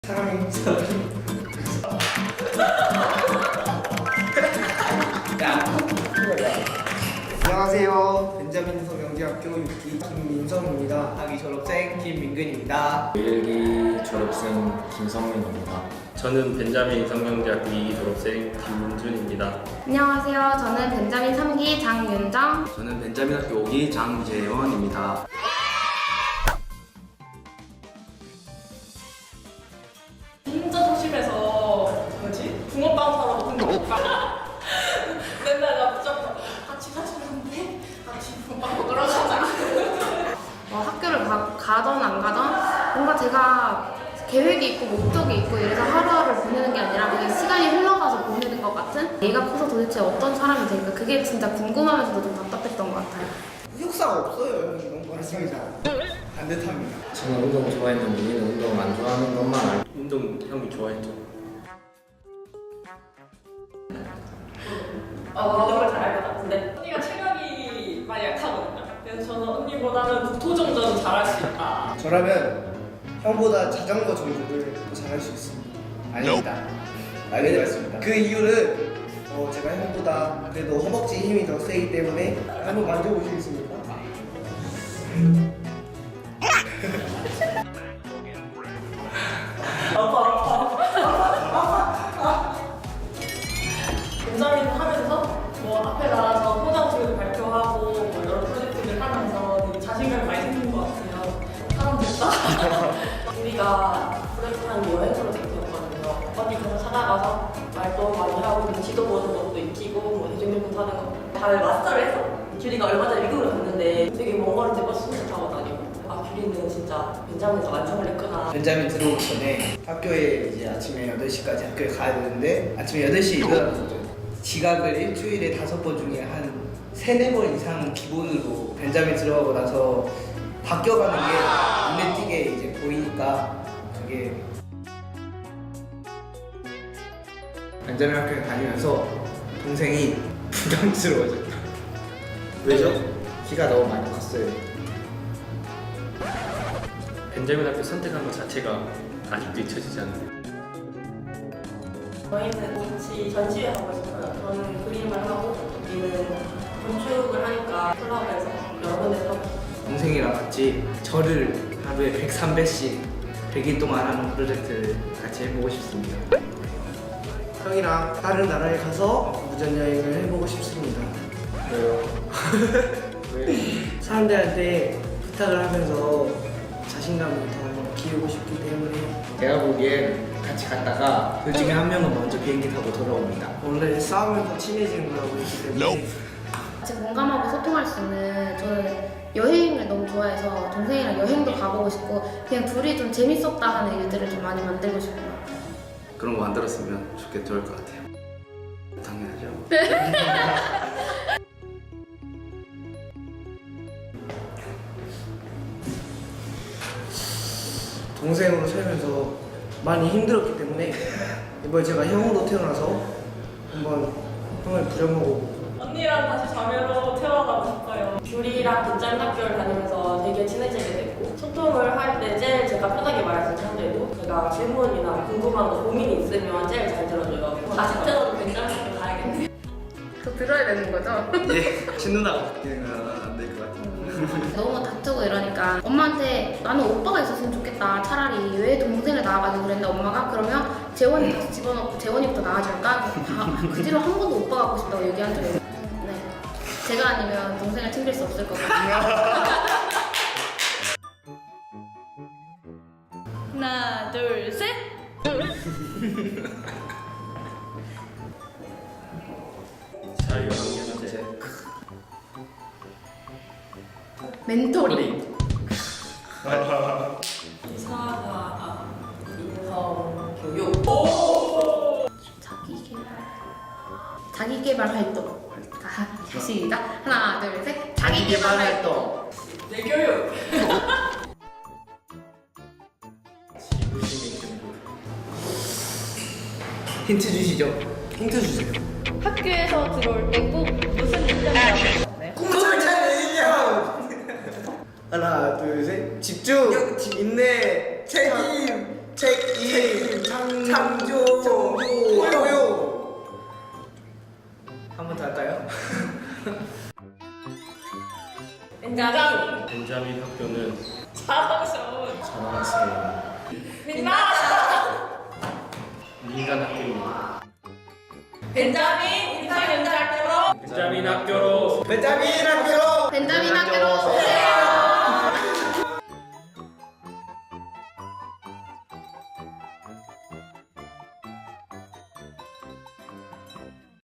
사람이 안녕하세요. 벤자민 서명대학교 6기 김민성입니다. 학위 졸업생 김민근입니다. 1기 졸업생 김성민입니다. 저는 벤자민 성명대학교 2기 졸업생 김문준입니다. 안녕하세요. 저는 벤자민 3기 장윤정. 저는 벤자민 학교 5기 장재원입니다. 진짜 조심해서 뭐지? 붕어빵 사러 붕어빵 맨날 나 붙잡고 같이 가자는데 같이 붕어빵 먹으러 가자. 학교를 가던 안 가던 뭔가 제가 계획이 있고 목적이 있고 이래서 하루하루 보내는 게 아니라 그게 시간이 흘러가서 보내는 것 같은, 얘가 커서 도대체 어떤 사람이 될까, 그게 진짜 궁금하면서도 좀 답답했던 것 같아요. 흑역사가 없어요. 너무 말씀이자 반듯합니다. 저는 운동 좋아했는데 얘는 운동 안 좋아하는 것만 알고 운동 형이 좋아했죠. 모든 걸 잘 알 것 같은데 언니가 체력이 많이 약하거든요. 그래서 저는 언니보다는 국토정전 잘할 수 있다. 저라면 형보다 자전거 정도를 더 잘할 수 있습니다. 아닙니다. 알게 되었습니다. 그 이유는 제가 형보다 그래도 허벅지 힘이 더 세기 때문에 한번 만져보시겠습니까? 벤자민 하면서 뭐 앞에 나가서 포장지도 발표하고 뭐 여러 프로젝트를 하면서 되게 자신감이 많이 생긴 것 같아요. 사람 됐다. 우리가 프로젝트한 게 여행 프로젝트였거든요. 어디 가서 찾아가서 말도 많이 하고 눈치도 보는 것도 익히고 뭐 대중교통 타는 거 잘 마스터를 해서 규리가 얼마 전에 미국을 갔는데 되게 먼 거리 이제 버스 타고 다니고, 아 규리는 진짜 벤자민에서 완성을 했구나. 벤자민 들어오기 전에 학교에 이제 아침에 8시까지 학교에 가야 되는데 아침에 8시에 일어나서 지각을 일주일에 5번 중에 한 3-4번 이상 기본으로 벤자민 들어가고 나서 바뀌어가는 게 눈에 띄게 이제 보이니까 그게 벤자민 학교에 다니면서 동생이 부담스러워졌다. 왜죠? 키가 너무 많이 컸어요. 벤자민 학교 선택한 것 자체가 아직도 잊혀지지 않는데. 저희는 같이 전시회 하고 있어요. 저는 그림을 하고 우리는 건축을 하니까 콜라보해서 여러 군데서 동생이랑 같이 절을 하루에 103배씩 100일 동안 하는 프로젝트를 같이 해보고 싶습니다. 형이랑 다른 나라에 가서 무전여행을 해보고 싶습니다. 왜요? 사람들한테 부탁을 하면서 자신감을 더 키우고 싶기 때문에 제가 보기엔 같이 갔다가 둘 중에 한 명은 먼저 비행기 타고 돌아옵니다. 원래 싸우면서 친해지는 거라고 했기 때문에 같이 공감하고 소통할 수 있는, 저는 여행을 너무 좋아해서 동생이랑 여행도 가보고 싶고 그냥 둘이 좀 재밌었다 하는 일들을 좀 많이 만들고 싶어요. 그런 거 만들었으면 좋을 것 같아요. 당연하죠. 동생으로 살면서 많이 힘들었기 때문에 이번에 제가 형으로 태어나서 한번 형을 부려먹고 언니랑 다시 자매로 태어나고 싶어요. 규리랑 벤자민 학교를 다니면서 되게 친해지게 됐고, 소통을 할 때 제일 제가 편하게 말할 수 있는 상대도 제가 질문이나 궁금한 거 고민이 있으면 제일 잘 들어줘요. 다시 태어나도 벤자민 학교 가야겠네. 더 들어야 되는 거죠? 예, 친누나가 바뀌면 안 될 것 같아요. 너무 다투고 이러니까 엄마한테 나는 오빠가 있었으면 좋겠다, 차라리 왜 동생을 낳아가지고 그랬는데 엄마가 그러면 재원이 다시 집어넣고 재원이부터 낳아줄까? 그 뒤로 한 번도 오빠 갖고 싶다고 얘기한 적이 없어요. 네. 제가 아니면 동생을 챙길 수 없을 거거든요. 하나, 둘, 셋! 자유학년제. 멘토링. 이사가 인성 교육. 자기개발 활동. 자, 시작. 하나, 둘, 셋. 자기개발 활동. 내 교육. 힌트 주시죠. 힌트 주세요. 학교에서 들어올 때 꼭 무슨 일정이라고 하나요? 하나, 둘, 셋. 집중, 인내, 책임, 책임 창조 포효. 한 번 더 할까요? 벤자민 벤자민 학교는 자랑스러운 자랑스러운 민간 학교입니다. 벤자민 인상연자학교로 벤자민 학교로 벤자민 학교. 벤자민 학교로 오세요.